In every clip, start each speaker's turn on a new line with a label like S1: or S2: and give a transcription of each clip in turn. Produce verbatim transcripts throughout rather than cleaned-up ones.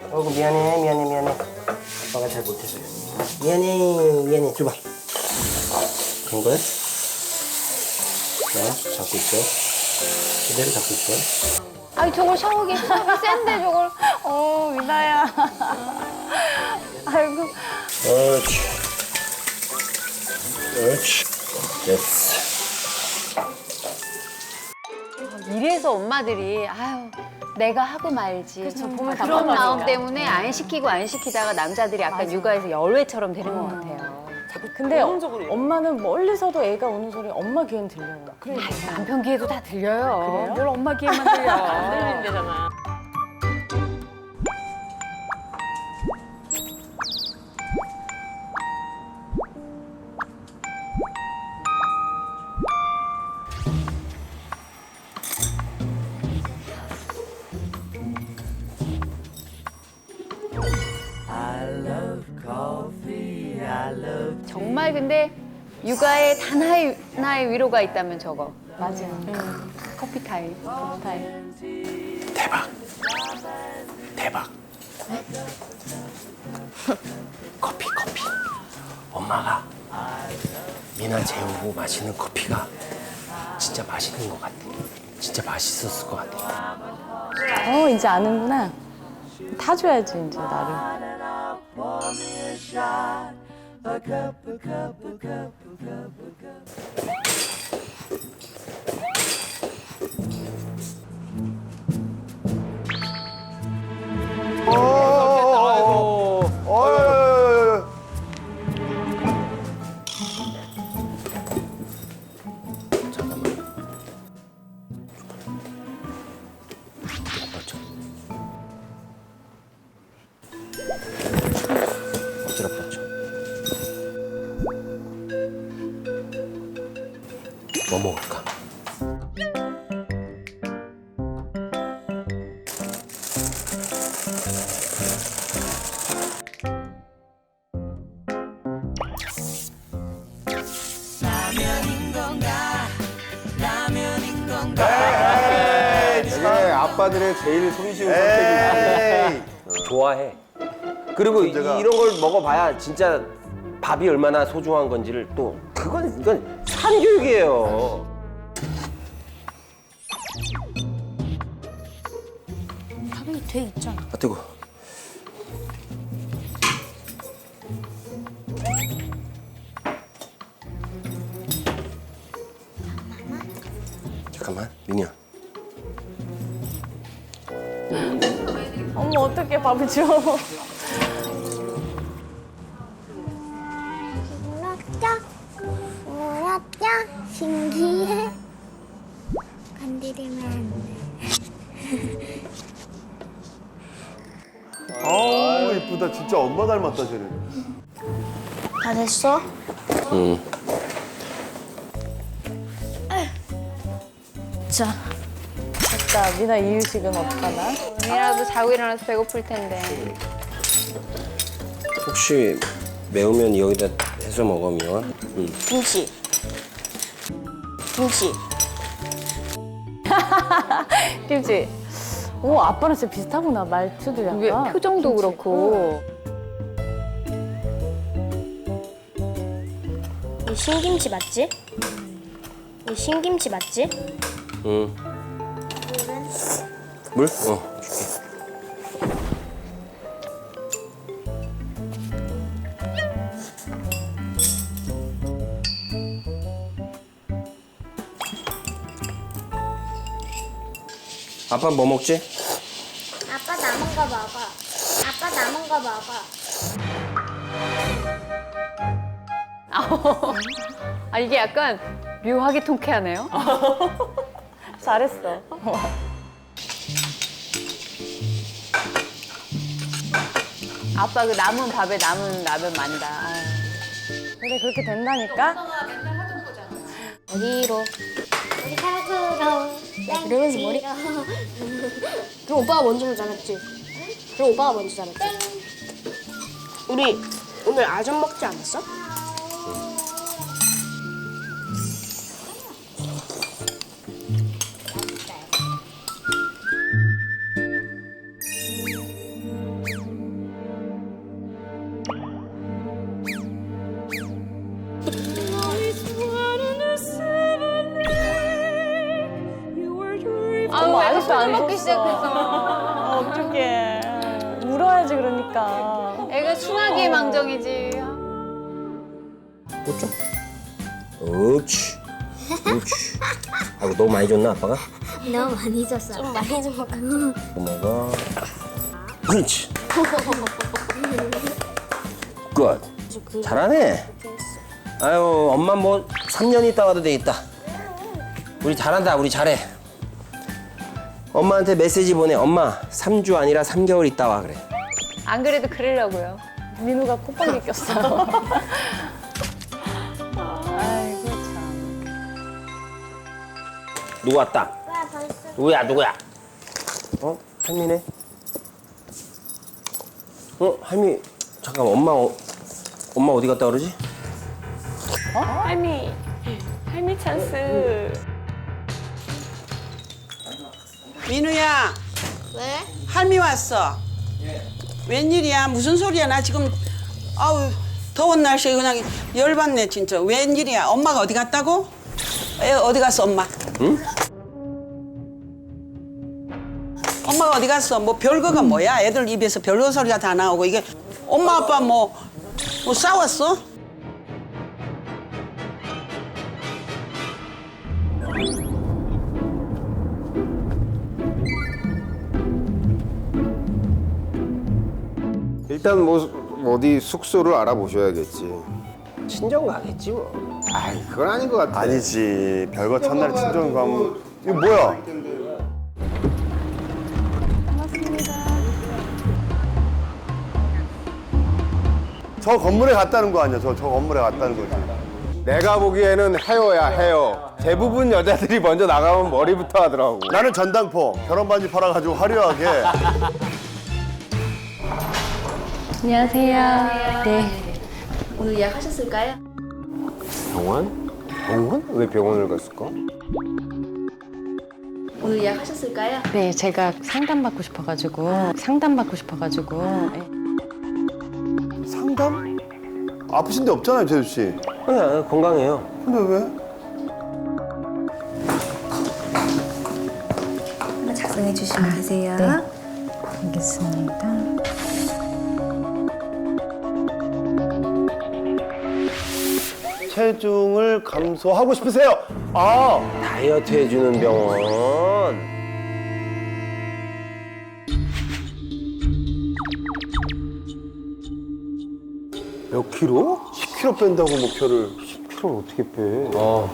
S1: 어이구 미안해 미안해 미안해. 아빠가 잘 못해서요. 미안해 미안해. 줘봐. 그런 거야? 자, 잡고 있어. 그대로 잡고 있어.
S2: 아니 저걸 샤워기 샤워기 센데 저걸. 어 미나야. 아이고.
S1: 옳지. 옳지. 됐어.
S2: 이래서 엄마들이 아유 내가 하고 말지.
S3: 그쵸, 보면
S2: 그런
S3: 답답하니까.
S2: 마음 때문에 안 시키고 안 시키다가 남자들이 약간
S3: 맞아.
S2: 육아에서 열외처럼 되는 것 같아요.
S3: 근데 엄마는 멀리서도 애가 우는 소리 엄마 귀엔 들려요. 그러니까.
S2: 남편 귀에도 다 들려요.
S3: 그래요?
S2: 뭘 엄마 귀에만 들려.
S3: 안 들린대잖아.
S2: 정말 근데 육아에 단 하나의, 하나의 위로가 있다면 저거.
S3: 맞아.
S2: 음, 커피 타임.
S3: 커피 타임.
S1: 대박. 대박. 커피 커피. 엄마가 미나 재우고 마시는 커피가 진짜 맛있는 것 같아. 진짜 맛있었을 것 같아.
S3: 어, 이제 아는구나. 타줘야지, 이제 나를.
S1: 잠깐만. 엎드려 뻗쳐. 엎드려 뻗쳐. 뭐 먹을까?
S4: 이게 아빠들의 제일 손쉬운 선택이지.
S1: 좋아해. 그리고 이-
S4: 문제가-
S1: 이런 걸 먹어봐야 진짜 밥이 얼마나 소중한 건지를 또 그건 이건 산교육이에요.
S5: 밥이 돼 있잖아.
S1: 아 뜨거. 잠깐만 민희야.
S3: 어머, 어떻게 밥을 줘.
S5: 물었죠? 물었죠? 신기해. 건드리면 안 돼.
S4: 아우 이쁘다. 진짜 엄마 닮았다 쟤는.
S5: 다 됐어?
S1: 응.
S5: 자,
S3: 됐다. 미나 이유식은 어떡하나?
S2: 오늘이라도 자고 일어나서 배고플 텐데.
S1: 혹시 매우면 여기다 해서 먹어 미와? 응.
S5: 김치. 김치.
S3: 김치. 오, 아빠랑 진짜 비슷하구나. 말투도
S2: 이게
S3: 약간.
S2: 표정도 그렇고.
S5: 이 신김치 맞지? 이 신김치 맞지?
S1: 응. 물? 어. 줄게. 아빠 뭐 먹지?
S5: 아빠 남은 거 먹어. 아빠 남은 거 먹어.
S2: 아 이게 약간 묘하게 통쾌하네요.
S3: 잘했어.
S2: 아빠 그 남은 밥에 남은 라면 만다. 아유.
S3: 그래, 그렇게 된다니까?
S5: 어디로? 우리 사구로. 그러면서 머리. 그럼 오빠가 먼저 잘랐지? 그럼 오빠가 먼저 잘랐지? 우리 오늘 아점 먹지 않았어?
S2: 시작했어.
S3: 어떡해. 울어야지 그러니까.
S2: 애가 순하기의 망정이지.
S1: 꽂죠? 옳지. 옳지. 아이고, 너무 많이 줬나, 아빠가?
S5: 너무 많이 줬어. 좀 많이 준 것 같아.
S1: 또 먹어. 그렇지. 굿. 잘하네. 아유, 엄마 뭐 삼 년 있다 와도 되겠다. 우리 잘한다. 우리 잘해. 엄마한테 메시지 보내. 엄마, 삼 주 아니라 삼 개월 있다 와 그래.
S2: 안 그래도 그러려고요.
S3: 민우가 콧방귀 꼈어. 아이고 참.
S1: 누구 왔다? 누구야, 누구야? 어? 할미네? 어? 할미, 잠깐 엄마, 어, 엄마 어디 갔다 그러지?
S2: 할미, 할미 찬스.
S6: 민우야,
S5: 왜?
S6: 할미 왔어. 웬일이야? 무슨 소리야? 나 지금 아우 더운 날씨에 그냥 열받네 진짜. 웬일이야? 엄마가 어디 갔다고? 애 어디 갔어 엄마?
S1: 응?
S6: 엄마가 어디 갔어? 뭐 별거가 뭐야? 애들 입에서 별거 소리가 다 나오고 이게 엄마 아빠 뭐, 뭐 싸웠어?
S7: 일단 뭐 어디 숙소를 알아보셔야겠지.
S1: 친정 가겠지 뭐.
S7: 아이 그건 아닌 것 같아.
S4: 아니지. 별거 첫날 친정 가면 이거 뭐야? 저 건물에 갔다는 거 아니야? 저, 저 건물에 갔다는 거지.
S7: 내가 보기에는 헤어야 헤어. 대부분 여자들이 먼저 나가면 머리부터 하더라고.
S4: 나는 전당포 결혼 반지 팔아가지고 화려하게.
S3: 안녕하세요. 네.
S8: 오늘 예약하셨을까요?
S7: 병원? 병원? 왜 병원을 갔을까?
S8: 오늘 예약하셨을까요?
S3: 네, 제가 상담받고 싶어가지고 상담받고 싶어가지고. 네.
S4: 상담? 아프신 데 없잖아요, 재수 씨.
S1: 그냥 건강해요.
S4: 근데 왜?
S8: 하나 작성해 주시면 되세요.
S3: 알겠습니다.
S4: 체중을 감소하고 싶으세요? 아,
S1: 다이어트 해주는 병원.
S4: 몇 킬로? 십 킬로 뺀다고 목표를.
S7: 십 킬로를 어떻게 빼?
S1: 어.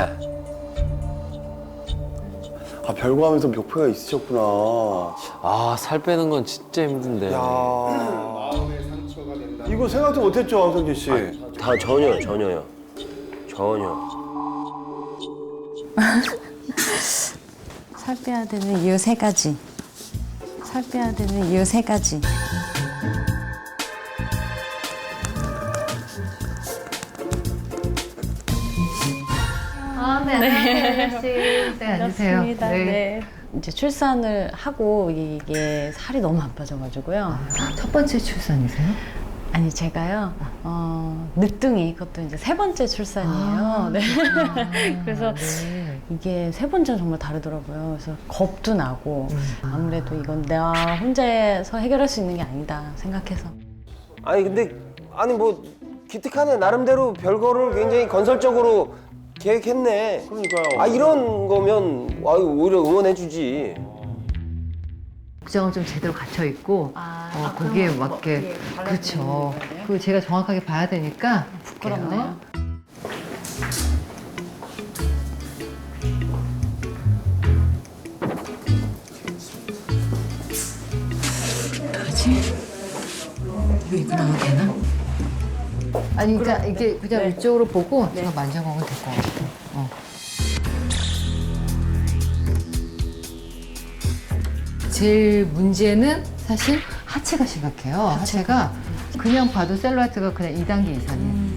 S4: 아, 별거 하면서 목표가 있으셨구나.
S9: 아, 살 빼는 건 진짜 힘든데.
S4: 야. 이거 생각도 못했죠, 황성진 씨.
S1: 다 전혀, 전혀요. 전혀.
S3: 살 빼야 되는 이유 세 가지. 살 빼야 되는 이유 세 가지.
S10: 아, 네, 안녕하세요. 씨. 네, 앉으세요.
S3: 반갑습니다. 네. 이제 출산을 하고 이게 살이 너무 안 빠져가지고요.
S10: 첫 번째 출산이세요?
S3: 아니 제가요 어, 늦둥이 그것도 이제 세 번째 출산이에요. 네. 그래서
S10: 네.
S3: 이게 세 번째는 정말 다르더라고요. 그래서 겁도 나고 아무래도 이건 내가 혼자서 해결할 수 있는 게 아니다 생각해서.
S1: 아니 근데 아니 뭐 기특하네. 나름대로 별거를 굉장히 건설적으로 계획했네.
S4: 그러니까요.
S1: 아 이런 거면 아유 오히려 응원해주지.
S10: 국장은 좀 제대로 갇혀 있고
S3: 아,
S10: 어,
S3: 아,
S10: 거기에
S3: 그럼
S10: 맞게
S3: 거기에
S10: 그렇죠.
S3: 거예요?
S10: 그 제가 정확하게 봐야 되니까
S3: 부끄럽네요.
S10: 이거 입고 나가도 되나? 아니 그러니까 이게 그냥 이쪽으로 보고 제가 만져보면 될 것 같아요. 어. 제일 문제는 사실 하체가 심각해요. 하체가 그냥 봐도 셀룰라이트가 그냥 이 단계 이상이에요.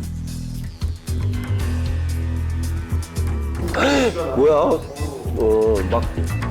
S1: 뭐야? 어 막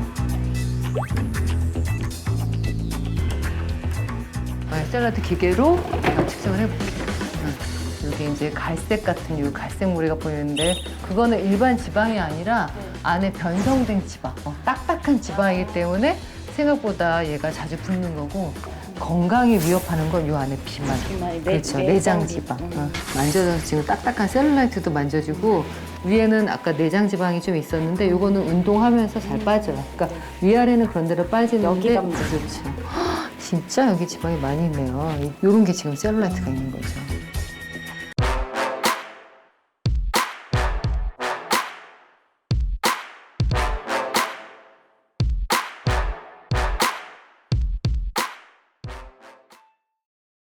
S10: 네, 셀룰라이트 기계로 제가 측정을 해볼게요. 응. 여기 이제 갈색 같은 이 갈색 무리가 보이는데 그거는 일반 지방이 아니라 안에 변성된 지방, 어, 딱딱한 지방이기 때문에 생각보다 얘가 자주 붓는 거고 건강에 위협하는 건 요 안에 비만.
S3: 비만이, 내-
S10: 그렇죠.
S3: 내장
S10: 내장 지방. 어. 만져서 지금 딱딱한 셀룰라이트도 만져지고 위에는 아까 내장 지방이 좀 있었는데 요거는 운동하면서 잘 빠져요. 그러니까 위아래는 그런 데로 빠지는데
S3: 여기가 문제.
S10: 그렇죠. 헉, 진짜 여기 지방이 많이 있네요. 요런 게 지금 셀룰라이트가 있는 거죠.